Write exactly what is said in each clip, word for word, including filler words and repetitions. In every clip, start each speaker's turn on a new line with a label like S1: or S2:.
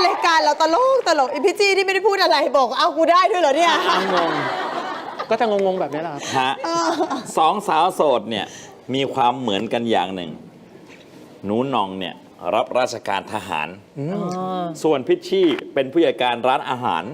S1: รายการเราตลกตลกไอพี่จี้ที่ไม่ได้พูดอะไรบอกเอากูได้ด้วยเหรอเนี่ย
S2: งงก็จะงงๆแบบนี้แหละครับ
S3: ฮะสองสาวโสดเนี่ยมีความเหมือนกันอย่างหนึ่งหนูหน่องเนี่ยรับราชการทหารส่วนพิชชี่เป็นผู้จัดการร้านอาหาร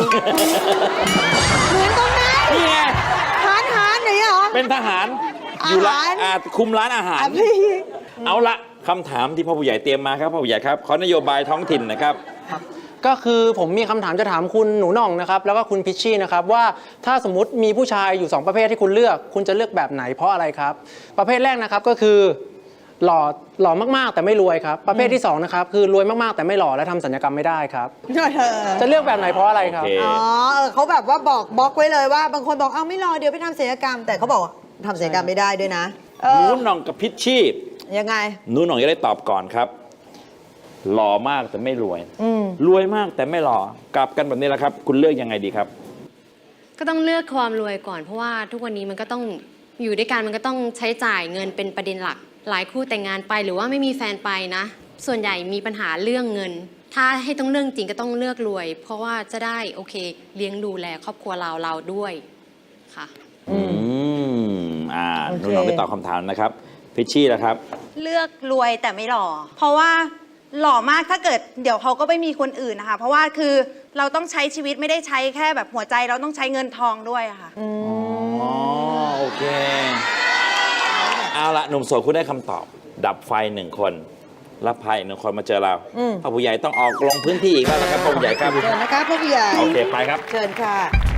S1: เหมือนตรงนั้น
S3: นี่ไง
S1: ทานทานไหนเหรอ
S3: เป็นทหารอยู่ร้าน
S1: อาหาร
S3: อ่าคุมร้านอาหาร
S1: อ่ะพี่
S3: เอาละคำถามที่พ่อผู้ใหญ่เตรียมมาครับพ่อผู้ใหญ่ครับขอนโยบายท้องถิ่นนะครับ
S2: ก็คือผมมีคำถามจะถามคุณหนูหน่องนะครับแล้วก็คุณพิชชี่นะครับว่าถ้าสมมติมีผู้ชายอยู่สองประเภทที่คุณเลือกคุณจะเลือกแบบไหนเพราะอะไรครับประเภทแรกนะครับก็คือหล่อหล่อมากๆแต่ไม่รวยครับประเภทที่สองนะครับคือรวยมากๆแต่ไม่หล่อและทำสัญญกรรมไม่ได้ครับจะเลือกแบบไหนเพราะอะไรครับ
S3: โอเค
S1: อ๋อเออเขาแบบว่าบอกบล็อกไว้เลยว่าบางคนบอกเอาไม่รอเดี๋ยวไปทำศัลยกรรม แต่เขาบอกว่าทำศัลยกรรมไม่ได้ด้วยนะเอ
S3: หนู
S1: อ
S3: หน่องกับพิชชี่
S1: ยังไง
S3: หนูหน่องจะได้ตอบก่อนครับ หล่อมากแต่ไม่รวย
S1: อืม
S3: รวยมากแต่ไม่หล่อกลับกันแบบนี้แหละครับ คุณเลือกยังไงดีครับ
S4: ก็ต้องเลือกความรวยก่อนเพราะว่าทุกวันนี้มันก็ต้องอยู่ด้วยกันมันก็ต้องใช้จ่ายเงินเป็นประเด็นหลัก หลายคู่แต่งงานไปหรือว่าไม่มีแฟนไปนะ ส่วนใหญ่มีปัญหาเรื่องเงิน ถ้าให้ต้องเรื่องจริงก็ต้องเลือกรวย เพราะว่าจะได้โอเคเลี้ยงดูแลครอบครัวเราเราด้วยค่ะ
S3: อืมอ่า
S1: โอ
S3: ห
S1: เค
S3: นูหน่องไปตอบคำถามนะครับ พิชชี่นะครับ
S5: เลือกรวยแต่ไม่หล่อ เพราะว่าหล่อมากถ้าเกิดเดี๋ยวเขาก็ไม่มีคนอื่นนะคะ เพราะว่าคือเราต้องใช้ชีวิตไม่ได้ใช้แค่แบบหัวใจเราต้องใช้เงินทองด้วยอะค่ะ
S3: อ๋อ โอเค เอาละหนุ่มโสดคุณได้คำตอบ ดับไฟหนึ่งคนรับพายอีกหนึ่งคนมาเจอเราพ่อผู้ใหญ่ต้องออกลงพื้นที่อีกแล้วนะครับพ่อผู้ใหญ่ครับ
S1: เชิญนะคะพ่อผู้ใหญ่
S3: โอเคไปครับ
S1: เชิญค่ะ